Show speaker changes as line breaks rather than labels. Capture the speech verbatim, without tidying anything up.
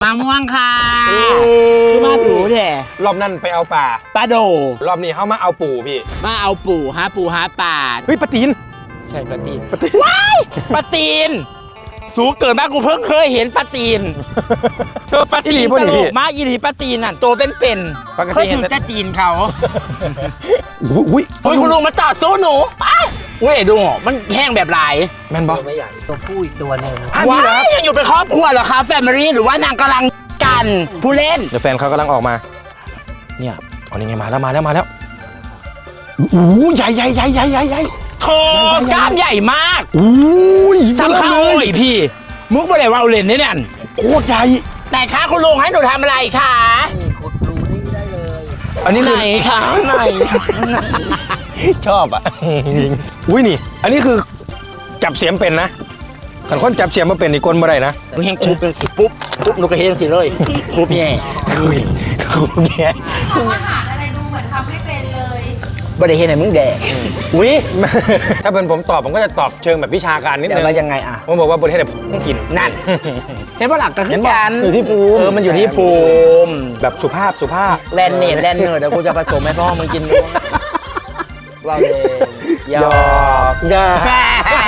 ะม่วงค่ะคือมาปูแท้
รอบนั้นไปเอาป่า
ปลาโด
รอบนี้เขามาเอาปูพี่
มาเอาปูหาปูหาปลา
เฮ้ยปลาตีน
ใช่ปลาตีนว้ายปลาตีนสูงเกินมากกูเพิ่งเคยเห็นปลาตีนเออปลาตีนตลกมากอีหลีปลาตีนน่ะโตเป็นเป็นเคยถึงจะตีนเขา
อุ้ย
อุ้ยคุณลุงมาต่อสู้หนูเว้ยดูมันแห้งแบบลาย
แม่นบอ
ไม่ใหญ่ตัวผู้อีกตัวหนึ่ง
ว้ายยังอยู่เป็นครอบครัวเหรอคะแฟมิลี่หรือว่านางกำลังกันผู้เล่น
เดี๋ยวแฟนเขากำลังออกมาเนี่ยอ๋อนี่ไงมาแล้วมาแล้วมาแล้วโอ้ใหญ่ใหญ่ใหญ่ใหญ่ใหญ่ใหญ่
โถกล้ามใหญ่มาก
อุ้ย
ซ้ำข้าวโอ้ยพี่มุกบ่ได้ว่าเล่นนี่เนี่ย
โคตรใหญ่
แต่คะคุณลุงให้หนูทำอะไรคะ
นี่ขุดรูนี่ได้เลย
อันนี้
ไหนคะไหน
ชอบอ่ะอุ้ยนี่อันนี้คือจับเสียมเป็นนะขันคนจับเสียมมาเป็นนี่กลมาได้นะ
หนูเฮงคูเป็นสิปุ๊บปุ๊บหนูก็เฮงสิเลยคูแย่
คูแย่
เขามาหาอะไรดูเหมือนทำไม่เป็นเลย
บ่ได้เห็นไหนมึงแดกอุ้ย
ถ้าเป็นผมตอบผมก็จะตอบเชิงแบบวิชาการนิดนึง
ว่ายังไงอ่ะ
ผมบอกว่าบริเทศต้องกิน
นั่นเห็นว่าหลักก็คือการ
อยู่ที่ภูมิ
เออมันอยู่ที่ภูมิ
แบบสุภาพสุภาพ
แลนเนตแลนเนอร์เดี๋ยวกูจะผสมให้พ่อมึงกินด้วยว่าเลย
ยอกยา